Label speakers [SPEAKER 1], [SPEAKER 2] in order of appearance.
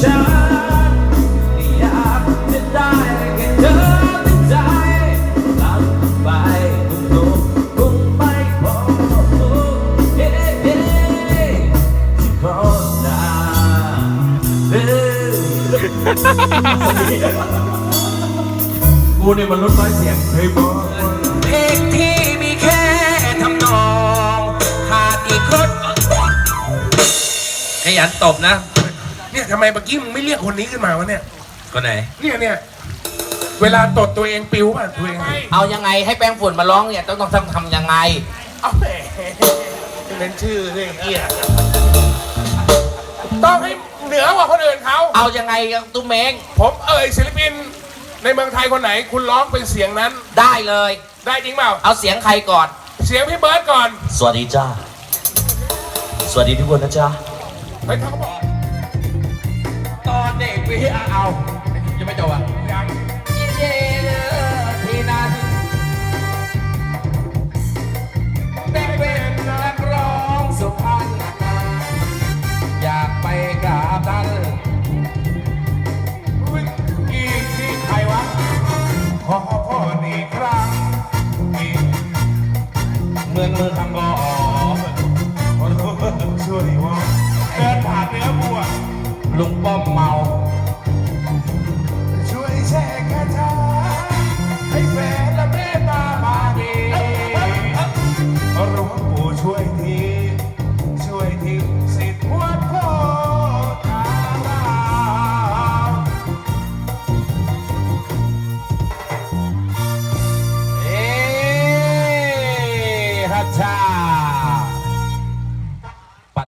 [SPEAKER 1] ฉันอยากจะได้แค่เธอในใจหลับไปคงไม่พอเฮ้เฮ้ที่พอนากูเนี่ยมันลดน้อยเสียงเพลงบอเพลงที่มีแค่ทำนองขาดอีกคนขยันตบนะ
[SPEAKER 2] เนี่ยทำไมเมื่อกี้มึงไม่เรียกคนนี้ขึ้นมาวะเนี่ย
[SPEAKER 1] คนไหน
[SPEAKER 2] เนี่ยเวลาตดตัวเองปิวป่ะตัวเอง
[SPEAKER 1] เอายังไงให้แป้งฝุ่นมาร้องเนี่ยต้องทำยังไง
[SPEAKER 2] เอาแหมเป็นชื่อเรื่องเกียต้องให้เหนือกว่าคนอื่นเขา
[SPEAKER 1] เอายังไงตุ้มเม้ง
[SPEAKER 2] ผมศิลปินในเมืองไทยคนไหนคุณร้องเป็นเสียงนั้น
[SPEAKER 1] ได้เลย
[SPEAKER 2] ได้จริงเปล่า
[SPEAKER 1] เอาเสียงใครก่อน
[SPEAKER 2] เสียงพี่เบิร์ดก่อน
[SPEAKER 1] สวัสดีจ้าสวัสดีทุกคนนะจ๊ะ
[SPEAKER 2] ไปเขาบอก
[SPEAKER 1] ตอนเด็กพี่เอายังไม่จบอ่ะ
[SPEAKER 2] ยัง
[SPEAKER 1] เย่ที่นั้นได้เป็นนักร้องสุพรรณอยากไปกราบท่าน
[SPEAKER 2] อีกที่ใครวะขอพ่ออีกครั้ง
[SPEAKER 1] เมืองทำก่อ
[SPEAKER 2] ช่วยว่าเดินผ่านเนื้อบัว
[SPEAKER 1] ลุงป้อมเมา
[SPEAKER 2] ช่วยแชร์คาถาให้แฟน